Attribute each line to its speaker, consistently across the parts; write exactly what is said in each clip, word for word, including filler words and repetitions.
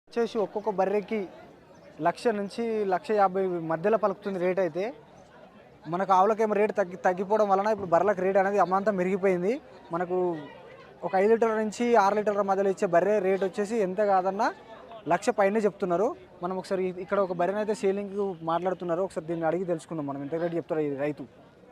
Speaker 1: వచ్చేసి ఒక్కొక్క బర్రెకి లక్ష నుంచి లక్ష యాభై మధ్యలో పలుకుతుంది రేట్. అయితే మనకు ఆవులకేమో రేటు తగ్గి తగ్గిపోవడం వలన ఇప్పుడు బర్రెలకు రేట్ అనేది అమాంతం మెరిగిపోయింది. మనకు ఒక ఐదు లీటర్ల నుంచి ఆరు లీటర్ల మధ్యలో ఇచ్చే బర్రె రేట్ వచ్చేసి ఎంత కాదన్నా లక్ష పైనే చెప్తున్నారు. మనం ఒకసారి ఇక్కడ ఒక బర్రెని అయితే సేలింగ్ మాట్లాడుతున్నారు, ఒకసారి దీన్ని అడిగి తెలుసుకుందాం మనం ఎంత రేట్ చెప్తారు ఈ రైతు.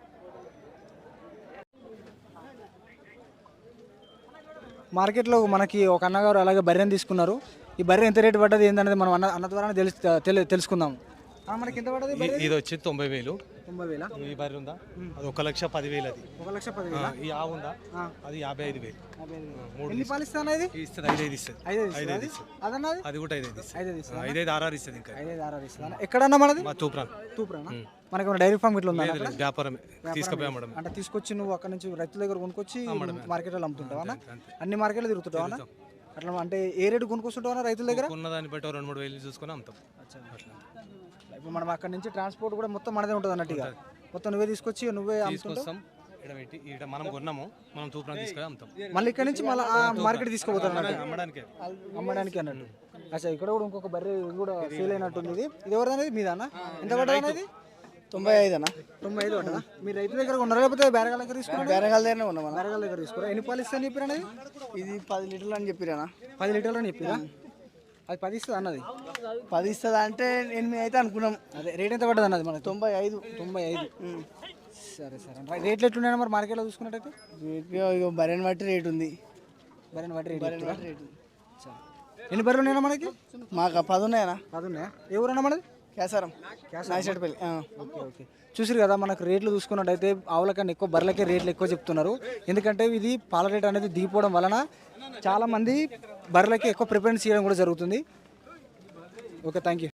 Speaker 1: మార్కెట్లో మనకి ఒక అన్నగారు అలాగే బర్రెని తీసుకున్నారు. ఈ బర్రె ఎంత రేటు పడ్డది ఏందనేది మనం అన్న అన్న ద్వారా తెలుసు తెలుసుకుందాం. మనకి ఎంత పడ్డది?
Speaker 2: ఇది వచ్చి తొంభై వేలు.
Speaker 1: తొంభై వేల
Speaker 2: ఈ బర్రె ఉందా అది ఒక లక్ష పదివేలు. అది
Speaker 1: ఒక లక్ష పదివేల.
Speaker 2: ఈ ఆవు ఉందా అది యాభై ఐదు వేలు.
Speaker 1: ఎన్ని పాలు ఇస్తాను? ఇది
Speaker 2: ఇస్తుంది ఐదు ఐదు ఇస్తుంది.
Speaker 1: ఐదు ఐదు ఇస్తుంది. అదన్నది
Speaker 2: అది కూడా ఐదు ఐదు ఇస్తుంది.
Speaker 1: ఐదు ఐదు ఇస్తుంది.
Speaker 2: ఐదు ఐదు ఆరు ఇస్తుంది. ఇంకా
Speaker 1: ఐదు ఐదు ఆరు ఇస్తుంది. ఎక్కడన్నా మనది?
Speaker 2: మా తూప్రాన్.
Speaker 1: తూప్రానా? మనకి డైరీ ఫామ్ ఇట్లా ఉందా?
Speaker 2: వ్యాపారమే తీసుకుపోయాం.
Speaker 1: అంటే తీసుకొచ్చి నువ్వు అక్కడ నుంచి రైతుల దగ్గర కొనుక్కొచ్చి మార్కెట్లో అమ్ముతుంటావా? అన్ని మార్కెట్లో తిరుగుతుంటావా? అట్లా అంటే ఏ రేటు కొనుక్కొస్తుంటావా రైతుల దగ్గర?
Speaker 2: ఉన్నదాన్ని బట్టి రెండు మూడు వేలు చూసుకొని అమ్ముతాం.
Speaker 1: ఇప్పుడు మనం అక్కడ నుంచి ట్రాన్స్పోర్ట్ కూడా మొత్తం మనదే ఉంటుంది అన్నట్టుగా. మొత్తం నువ్వే తీసుకొచ్చి నువ్వే
Speaker 2: తీసుకొస్తాం. ఇక్కడ మనం కొన్నాము, మనం తూప్రాన్ తీసుకొని అమ్ముతాం.
Speaker 1: మళ్ళీ ఇక్కడ నుంచి మళ్ళీ మార్కెట్ తీసుకుపోతారు
Speaker 2: అమ్మడానికి
Speaker 1: అమ్మడానికి అన్నట్టు. అచ్చా, ఇక్కడ కూడా ఇంకొక బర్రె కూడా సేల్ అయినట్టుంది. ఇది ఇది ఎవరిదనేది? మీదన్నా? ఎంత పడ్డది అనేది?
Speaker 3: తొంభై ఐదు అన్న.
Speaker 1: తొంభై ఐదు పడ్డదా? మీరు రైతు దగ్గర ఉన్నారా లేకపోతే బేరగాల దగ్గర తీసుకున్నారు?
Speaker 3: బేరగాల దగ్గర ఉన్నాం.
Speaker 1: బేరగాల దగ్గర తీసుకురా. ఎన్ని పాలు ఇస్తా అని చెప్పారు అనేది?
Speaker 3: ఇది పది లీటర్లు అని చెప్పిరా?
Speaker 1: పది లీటర్లు అని చెప్పిరా? అది పది ఇస్తుంది అన్నది.
Speaker 3: పది ఇస్తుంది అంటే ఎనిమిది అయితే అనుకున్నాం.
Speaker 1: అదే రేట్ ఎంత పడ్డది అన్నది? మనకి
Speaker 3: తొంభై ఐదు.
Speaker 1: తొంభై ఐదు. సరే సరే. రేట్లు ఎట్లున్నాయి మరి మార్కెట్లో చూసుకున్నట్టయితే?
Speaker 3: రేట్ బర్రెని బట్టి రేట్ ఉంది.
Speaker 1: బర్రెని బట్టి రేట్
Speaker 3: బర్రెని బట్టి రేట్.
Speaker 1: ఎన్ని బర్రెలు ఉన్నాయన్నా మనకి?
Speaker 3: మాకు పది ఉన్నాయనా?
Speaker 1: పది ఉన్నాయా? ఏ ఊరన్నా మనది?
Speaker 3: కేసారం. నాయశెట్టిపల్లి.
Speaker 1: Okay okay. చూసారు కదా, మనకు రేట్లు చూసుకున్నట్టయితే ఆవుల కన్నా ఎక్కువ బర్రెలకే రేట్లు ఎక్కువ చెప్తున్నారు. ఎందుకంటే ఇది పాల రేట్ అనేది దిగిపోవడం వలన చాలామంది బర్రెలకి ఎక్కువ ప్రిఫరెన్స్ ఇవ్వడం కూడా జరుగుతుంది. Okay, thank you.